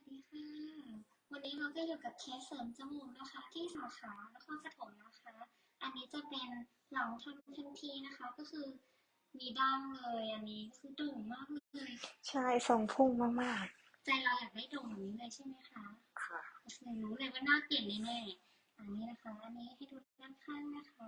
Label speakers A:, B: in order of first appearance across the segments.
A: ดีค่ะวันนี้เราก็อยู่กับเคสเสริมจมูกนะคะที่สาขานครปฐมนะคะอันนี้จะเป็นหลังทำทันทีนะคะก็คือมีดั้งเลยอันนี้คือโด่งมากเลย
B: ใช่ทรงพุ่งมาก
A: ใจเราอยากได้โด่งแบบนี้เลยใช่ไหมคะ
B: ๆค่ะ
A: ก็เลยรู้เลยว่าหน้าเปลี่ยนแน่ๆอันนี้นะคะอันนี้ให้ดูด้านข้างนะคะ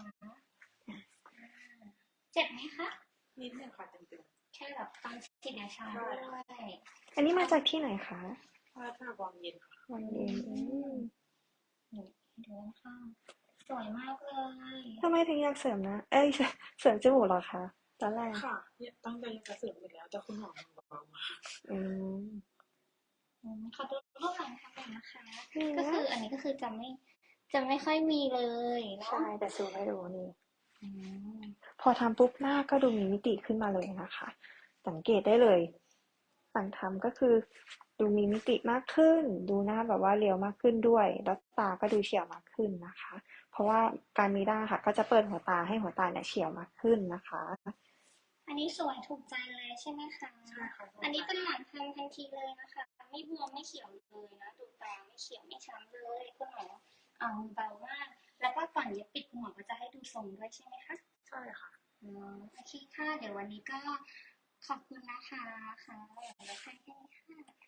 A: เจ็บไหมคะ
C: นิดนึงค่ะเต็ม
A: แค่แบบตอนฉีดยาชา
C: ๆใช่
A: ด้วย
B: อันนี้มาจากที่ไหนคะ
C: ถ้าวางเย็นค่ะ
B: วั
A: อื
B: นเย็น
A: มนี่ให้ดูด้านข้างสวยมากเลย
B: ทำไมถึงอยากเสริมนะเอ้ยเสริมจมูกเหรอคะตอนแรก
C: ค่ะเนี่ยตั้งใจจะเสริมอีกแล้วแต่คุณหมอมันเบาๆมา
B: อืม
A: ขอดูรูปหลังทำหน่อยนะคะ
B: นี่นะ
A: ก็คืออันนี้ก็คือจะไม่ค่อยมีเลยเนาะ
B: ใช่แต่ซูมให้ดูนี่
A: อืม
B: พอทำปุ๊บหน้าก็ดูมีมิติขึ้นมาเลยนะคะสังเกตได้เลยหลังทำก็คือดูมีมิติมากขึ้นดูหน้าแบบว่าเรียวมากขึ้นด้วยแล้วตาก็ดูเฉียวมากขึ้นนะคะเพราะว่าการมีด้าค่ะก็จะเปิดหัวตาให้หัวตาเนี่ยเฉียวมากขึ้นนะคะ
A: อันนี้สวยถูกใจเลยใช่ไหมคะ
C: ใช่ค่ะ
A: อันนี้เป็นหลังทำทันทีเลยนะคะไม่บวมไม่เขียวเลยนะดูตาไม่เขียวไม่ช้ำเลยคุณหมอเอาเบามากแล้วก็ก่อนเย็บปิดคุณหมอก็จะให้ดูทรงด้วยใช่ไหมคะ
C: ใช่ค่ะ
A: โอเคค่ะเดี๋ยววันนี้ก็ขอบคุณนะคะค่ะเดี๋ยวเราแค่นี้ค่ะ